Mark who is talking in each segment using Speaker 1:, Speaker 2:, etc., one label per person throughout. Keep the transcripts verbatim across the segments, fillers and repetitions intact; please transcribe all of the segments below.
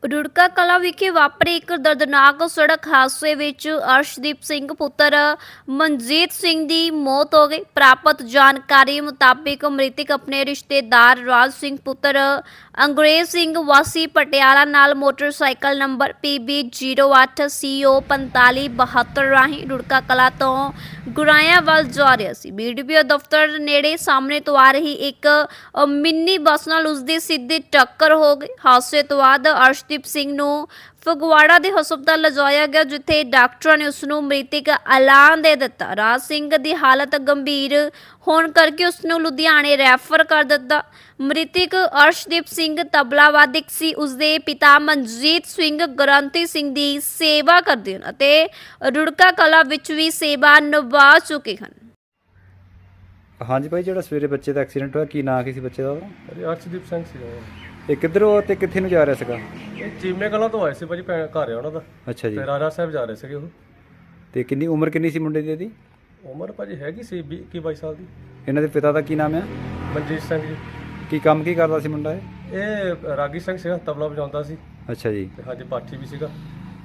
Speaker 1: ਰੁੜਕਾ ਕਲਾਂ ਵਿਖੇ ਵਾਪਰੇ ਇੱਕ ਦਰਦਨਾਕ ਸੜਕ ਹਾਦਸੇ ਵਿੱਚ ਅਰਸ਼ਦੀਪ ਸਿੰਘ ਪੁੱਤਰ ਮਨਜੀਤ ਸਿੰਘ ਦੀ ਮੌਤ ਹੋ ਗਈ। ਪ੍ਰਾਪਤ ਜਾਣਕਾਰੀ ਮੁਤਾਬਿਕ ਮ੍ਰਿਤਕ ਆਪਣੇ ਰਿਸ਼ਤੇਦਾਰ ਰਾਜ ਸਿੰਘ ਪੁੱਤਰ ਅੰਗਰੇਜ਼ ਸਿੰਘ ਵਾਸੀ ਪਟਿਆਲਾ ਨਾਲ motorcycle number P B zero ਅੱਠ ਸੀ ਓ ਪੰਤਾਲੀ ਬਹੱਤਰ ਰਾਹੀਂ ਰੁੜਕਾ ਕਲਾਂ ਤੋਂ ਗੁਰਾਇਆ ਵੱਲ ਜਾ ਰਿਹਾ ਸੀ। ਬੀ ਡੀ ਪੀ ਓ ਦਫ਼ਤਰ ਨੇੜੇ ਸਾਹਮਣੇ ਤੋਂ ਆ ਰਹੀ ਇੱਕ ਅ, ਮਿੰਨੀ ਬੱਸ ਨਾਲ ਉਸਦੀ ਸਿੱਧੀ ਟੱਕਰ ਹੋ ਗਈ। ਹਾਦਸੇ ਤੋਂ ਬਾਅਦ ਅਰਸ਼ਦੀਪ ਸਿੰਘ ਨੂੰ ਫਗਵਾੜਾ ਦੇ ਹਸਪਤਾਲ ਲਿਜਾਇਆ ਗਿਆ, ਜਿੱਥੇ ਡਾਕਟਰਾਂ ਨੇ ਉਸ ਨੂੰ ਮ੍ਰਿਤਕ ਐਲਾਨ ਦੇ ਦਿੱਤਾ। ਰਾਜ ਸਿੰਘ ਦੀ ਹਾਲਤ ਗੰਭੀਰ ਹੋਣ ਕਰਕੇ ਉਸ ਨੂੰ ਲੁਧਿਆਣੇ ਰੈਫਰ ਕਰ ਦਿੱਤਾ। ਮ੍ਰਿਤਕ ਅਰਸ਼ਦੀਪ ਸਿੰਘ ਤਬਲਾਵਾਦਕ ਸੀ। ਉਸਦੇ ਪਿਤਾ ਮਨਜੀਤ ਸਿੰਘ ਗ੍ਰੰਥੀ ਸਿੰਘ ਦੀ ਸੇਵਾ ਕਰਦੇ ਹਨ ਅਤੇ ਰੁੜਕਾ ਕਲਾਂ ਵਿੱਚ ਵੀ ਸੇਵਾ ਨਿਭਾ ਚੁੱਕੇ ਹਨ।
Speaker 2: ਹਾਂਜੀ ਭਾਈ, ਜਿਹੜਾ ਸਵੇਰੇ ਬੱਚੇ ਦਾ ਐਕਸੀਡੈਂਟ ਹੋਇਆ, ਕੀ ਨਾਂ ਕੀ ਸੀ ਬੱਚੇ ਦਾ ਉਹਦਾ?
Speaker 3: ਅਰੇ ਅਰਸ਼ਦੀਪ ਸਿੰਘ ਸੀ
Speaker 2: ਇਹ ਕਿੱਧਰੋਂ ਤੇ ਕਿੱਥੇ ਨੂੰ ਜਾ ਰਿਹਾ ਸੀਗਾ?
Speaker 3: ਇਹ ਚੀਮੇ ਕਲਾਂ ਤੋਂ ਆਏ ਸੀ ਭਾਜੀ, ਭੈਣ ਘਰ ਆ ਉਹਨਾਂ ਦਾ।
Speaker 2: ਅੱਛਾ ਜੀ।
Speaker 3: ਤੇ ਰਾਜਾ ਸਾਹਿਬ ਜਾ ਰਹੇ ਸੀਗੇ ਉਹ।
Speaker 2: ਤੇ ਕਿੰਨੀ ਉਮਰ ਕਿੰਨੀ ਸੀ ਮੁੰਡੇ ਦੀ ਇਹਦੀ?
Speaker 3: ਉਮਰ ਭਾਜੀ ਹੈਗੀ ਸੀ ਵੀਹ ਇੱਕੀ ਬਾਈ ਸਾਲ ਦੀ।
Speaker 2: ਇਹਨਾਂ ਦੇ ਪਿਤਾ ਦਾ ਕੀ ਨਾਮ ਆ?
Speaker 3: ਮਨਜੀਤ ਸਿੰਘ ਜੀ।
Speaker 2: ਕੀ ਕੰਮ ਕੀ ਕਰਦਾ ਸੀ ਮੁੰਡਾ ਇਹ?
Speaker 3: ਇਹ ਰਾਗੀ ਸਿੰਘ ਸੀਗਾ, ਤਬਲਾ ਵਜਾਉਂਦਾ ਸੀ
Speaker 2: ਅੱਛਾ ਜੀ।
Speaker 3: ਤੇ ਹਾਂਜੀ ਪਾਠੀ ਵੀ ਸੀਗਾ।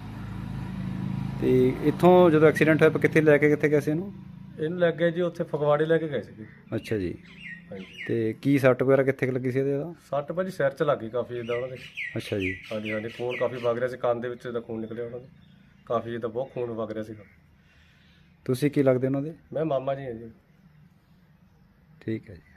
Speaker 2: ਤੇ ਇੱਥੋਂ ਜਦੋਂ ਐਕਸੀਡੈਂਟ ਹੋਇਆ ਕਿੱਥੇ ਲੈ ਕੇ ਕਿੱਥੇ ਗਏ ਸੀ ਇਹਨੂੰ?
Speaker 3: ਇਹਨੂੰ ਲੱਗ ਗਿਆ ਜੀ ਉੱਥੇ ਫਗਵਾੜੇ ਲੈ ਕੇ ਗਏ ਸੀਗੇ।
Speaker 2: ਅੱਛਾ ਜੀ।
Speaker 3: ਹਾਂਜੀ।
Speaker 2: ਤੇ ਕੀ ਸੱਟ ਵਗੈਰਾ ਕਿੱਥੇ ਕੁ ਲੱਗੀ ਸੀ ਇਹਦੇ ਦਾ?
Speaker 3: ਸੱਟ ਭਾਜੀ ਸਿਰ 'ਚ ਲੱਗ ਗਈ ਕਾਫੀ ਜਿੱਦਾਂ ਉਹਨਾਂ ਦੇ।
Speaker 2: ਅੱਛਾ ਜੀ।
Speaker 3: ਹਾਂਜੀ ਹਾਂਜੀ, ਖੂਨ ਕਾਫੀ ਵਗ ਰਿਹਾ ਸੀ, ਕੰਨ ਦੇ ਵਿੱਚ ਦਾ ਖੂਨ ਨਿਕਲਿਆ ਉਹਨਾਂ ਦੇ ਕਾਫੀ, ਜਿੱਦਾਂ ਬਹੁਤ ਖੂਨ ਵਗ ਰਿਹਾ ਸੀਗਾ।
Speaker 2: ਤੁਸੀਂ ਕੀ ਲੱਗਦੇ ਉਹਨਾਂ ਦੇ?
Speaker 3: ਮੈਂ ਮਾਮਾ ਜੀ ਹਾਂ ਜੀ।
Speaker 2: ਠੀਕ ਹੈ ਜੀ।